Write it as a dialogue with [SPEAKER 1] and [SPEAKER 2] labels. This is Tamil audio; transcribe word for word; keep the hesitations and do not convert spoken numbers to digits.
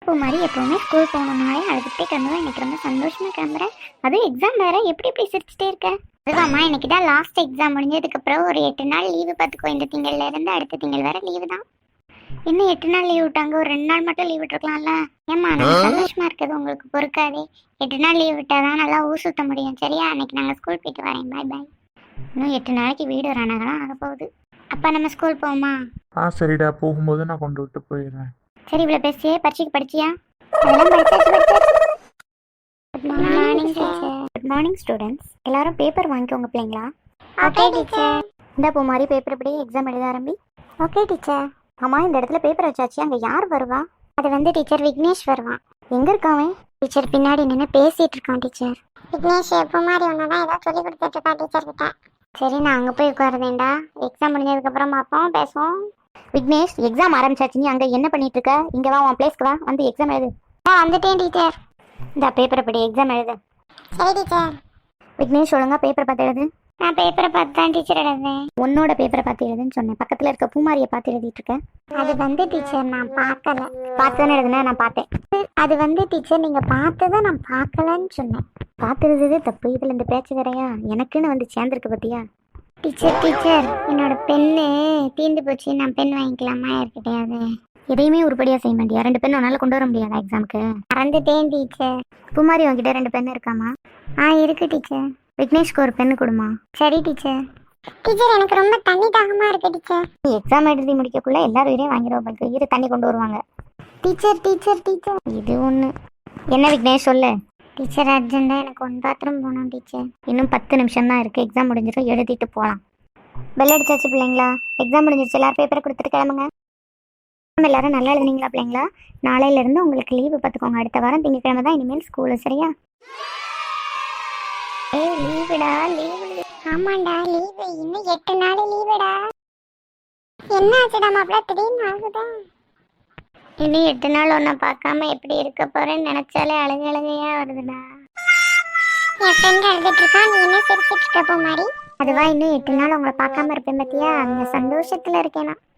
[SPEAKER 1] இப்போ மாதிரி எப்போவுமே ஸ்கூல் போகணுன்னாலே அழுதுகிட்டே கிளம்புவேன். இன்னைக்கு ரொம்ப சந்தோஷமாக கிளம்புறேன். அதுவும் எக்ஸாம் வேறு, எப்படி எப்படி சிரிச்சிட்டே இருக்கேன். அதுவாம்மா, இன்னைக்கு தான் லாஸ்ட் எக்ஸாம் முடிஞ்சதுக்கப்புறம் ஒரு எட்டு நாள் லீவு பார்த்துக்கோ. இந்த திங்கள்ல இருந்து அடுத்த திங்கள் வேற லீவு தான். இன்னும் எட்டு நாள் லீவ் விட்டாங்க, ஒரு ரெண்டு நாள் மட்டும் லீவ் விட்டுருக்கலாம்ல. ஏம்மா நான் சந்தோஷமா இருக்குது, உங்களுக்கு பொறுக்காதே. எட்டு நாள் லீவ் விட்டாதான் நல்லா ஊர் சுத்த முடியும். சரியா? அன்னைக்கு நாங்கள் ஸ்கூல் போயிட்டு வரேன். பாய் பாய். இன்னும் எட்டு நாளைக்கு வீடு ரணகலாம் ஆக போகுது. அப்பா நம்ம ஸ்கூல் போவோமா?
[SPEAKER 2] ஆ சரிடா, போகும்போது நான் கொண்டு விட்டு போயிடுறேன்.
[SPEAKER 1] சரி, இவ்வளோ பேசியே பரீட்சைக்கு படிச்சியா? அதெல்லாம் படிச்சாச்சு படிச்சாச்சு. Good morning teacher. Good morning students. எல்லாரும் பேப்பர் வாங்கிக்கோங்க பிள்ளைங்களா. Okay teacher. இந்த போ மாதிரி பேப்பர் இப்படி எக்ஸாம் எழுத ஆரம்பி. Okay teacher. ஆமாம், இந்த இடத்துல பேப்பர் வச்சாச்சு, அங்கே யார் வருவா? அது வந்து டீச்சர் விக்னேஷ் வருவான். எங்கே இருக்காவன்? டீச்சர் பின்னாடி நின்று பேசிகிட்டு இருக்கான் டீச்சர். விக்னேஷ் எப்போ மாதிரி ஒன்று தான் ஏதாவது சொல்லி கொடுத்துட்டு இருக்கா டீச்சர் கிட்ட. சரி, நான் அங்கே போய் உட்காருதேன்டா. எக்ஸாம் முடிஞ்சதுக்கப்புறம் பார்ப்போம், பேசுவோம். விக்னேஷ், எக்ஸாம் ஆரம்பிச்சாச்சு, நீ அங்கே என்ன பண்ணிட்டு இருக்க? இங்கே வா, உன் பிளேஸ்க்கு வா, வந்து எக்ஸாம் எழுது. ஆ வந்துட்டேன் டீச்சர். இந்த பேப்பரை படி எக்ஸாம் எழுது. சரி டீச்சர். விக்னேஷ், ஒழுங்கா பேப்பரை பார்த்து எழுது. நான் பேப்பரை பார்த்து தான் டீச்சர் எழுதுவேன். உன்னோட பேப்பரை பார்த்து எழுதுன்னு சொன்னேன். பக்கத்தில் இருக்க பூமாரியை பார்த்து எழுதிட்டு இருக்கேன். அது வந்து டீச்சர் நான் பார்க்கல. பார்த்து தானே எழுதுனேன், நான் பார்த்தேன். அது வந்து டீச்சர் நீங்கள் பார்த்து தான் நான் பார்க்கலன்னு சொன்னேன். பார்த்து எழுதுது தப்பு, இதில் இந்த பேச்சு வேறையா? எனக்குன்னு வந்து சேர்ந்துருக்கு பத்தியா? டீச்சர் டீச்சர் என்னோட பெண்ணு தீர்ந்து போச்சு, நான் பெண் வாங்கிக்கலாமா யார்கிட்டையாவது? எதையுமே உருப்படியாக செய்ய மாட்டியா? ரெண்டு பெண் உன்னால கொண்டு வர முடியாதா எக்ஸாமுக்கு? மறந்துட்டேன் டீச்சர். பூமாரி உங்ககிட்ட ரெண்டு பெண் இருக்காமா? ஆ இருக்கு டீச்சர். விக்னேஷ்க்கு ஒரு பெண்ணு கொடுமா. சரி டீச்சர். டீச்சர் எனக்கு ரொம்ப தண்ணி தாகமா இருக்கு டீச்சர். நீ எக்ஸாம் எழுதி முடிக்கக்குள்ள எல்லாரும் உயிரையும் வாங்கிடுவாங்க. இரு, தண்ணி கொண்டு வருவாங்க. டீச்சர் டீச்சர் டீச்சர் இது ஒன்று. என்ன விக்னேஷ் சொல்லு. டீச்சர் அர்ஜென்ட்டாக எனக்கு ஒன் பாத்ரூம் போகணும் டீச்சர். இன்னும் பத்து நிமிஷம் தான் இருக்குது, எக்ஸாம் முடிஞ்சிடும், எழுதிட்டு போகலாம். பெல் அடிச்சாச்சு பிள்ளைங்களா? எக்ஸாம் முடிஞ்சிருச்சு, எல்லாரும் பேப்பரை கொடுத்துட்டு கிளம்புங்க. எல்லாரும் நல்லா எழுதுனீங்களா பிள்ளைங்களா? நாளையிலேருந்து உங்களுக்கு லீவு பார்த்துக்கோங்க. அடுத்த வாரம் திங்கக்கிழமை தான் இனிமேல் ஸ்கூலு. சரியா? ஏய் லீவுடா, லீவு. ஆமாண்டா லீவு, இன்னும் எட்டு நாள் லீவுடா. என்ன ஆச்சுடா மாப்பிள்ள, திடீர்னு ஆகுதா? இன்னும் எட்டு நாள் ஒன்றை பார்க்காம எப்படி இருக்க போறேன்னு நினைச்சாலே அழுக அழுகையா வருதுடா. என் ஃப்ரெண்ட் அழுதுட்டு இருக்கா, நீ என்ன சிரிச்சிட்டு இருக்க போ மாதிரி. அதுவா, இன்னும் எட்டு நாள் உங்களை பார்க்காம இருப்பேன் பத்தியா? அந்த சந்தோஷத்துல இருக்கேனா.